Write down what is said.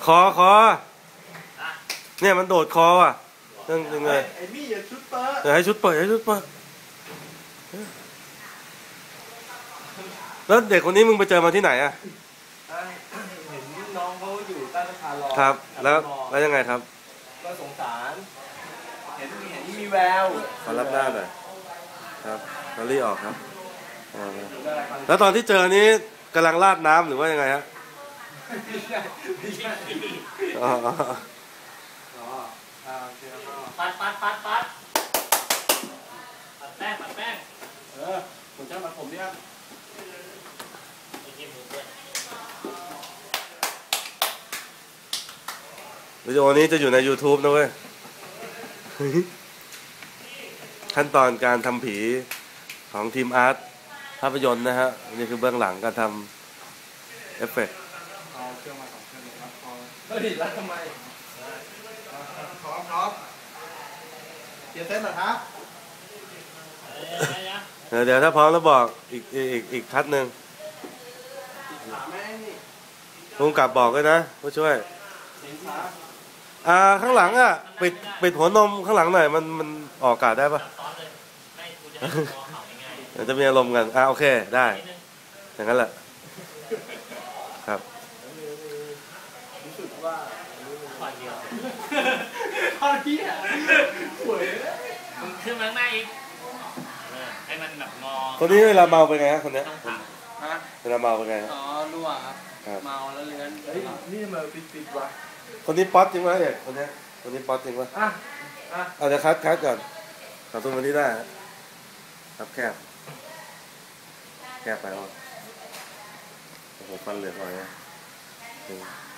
คอเนี่ยมันโดดคออ่ะยังไงไอ้มี่อย่าชุดเปิดให้ชุดเปิดแล้วเด็กคนนี้มึงไปเจอมาที่ไหนอ่ะเห็นน้องเขาอยู่ใต้สะพานรอครับแล้วยังไงครับก็สงสารเห็นมีแววขอรับหน้าหน่อยครับลอรี่ออกครับแล้วตอนที่เจอนี้กำลังราดน้ำหรือว่ายังไงฮะอ๋อปัดแป้งผมจะมาผมเนี่ยวิดีโอนี้จะอยู่ใน YouTube นะเว้ยขั้นตอนการทำผีของทีมอาร์ตภาพยนตร์นะฮะนี่คือเบื้องหลังการทำเอฟเฟกต์เอาเครื่องมา2 เครื่องครับพอเฮ้ยแล้วทำไมพร้อมเตรียมเต้นหน่อยครับเดี๋ยวถ้าพร้อมแล้วบอกอีกคัดหนึ่งลุงกลับบอกเลยนะผู้ช่วยข้างหลังอ่ะปิดหัวนมข้างหลังหน่อยมันออกอากาศได้ปะเดี๋ยวจะมีอารมณ์กันโอเคได้อย่างนั้นแหละครับรู้สึกว่าขอเดียวข้อที่สวยมึงขึ้นมาข้างหน้าอีกให้มันแบบงอคนนี้เวลาเมาเป็นไงฮะคนนี้เวลาเมาเป็นไงอ๋อรั่วครับเมาแล้วเลื้อนนี่มาปิดวะคนนี้ป๊อตจริงไหมเอกคนนี้ป๊อตจริงปะเอาจะคัดก่อนขอตัวมาที่ได้ครับแคบไปอ๋อโอ้โหฟันเหลือกหน่อยนะ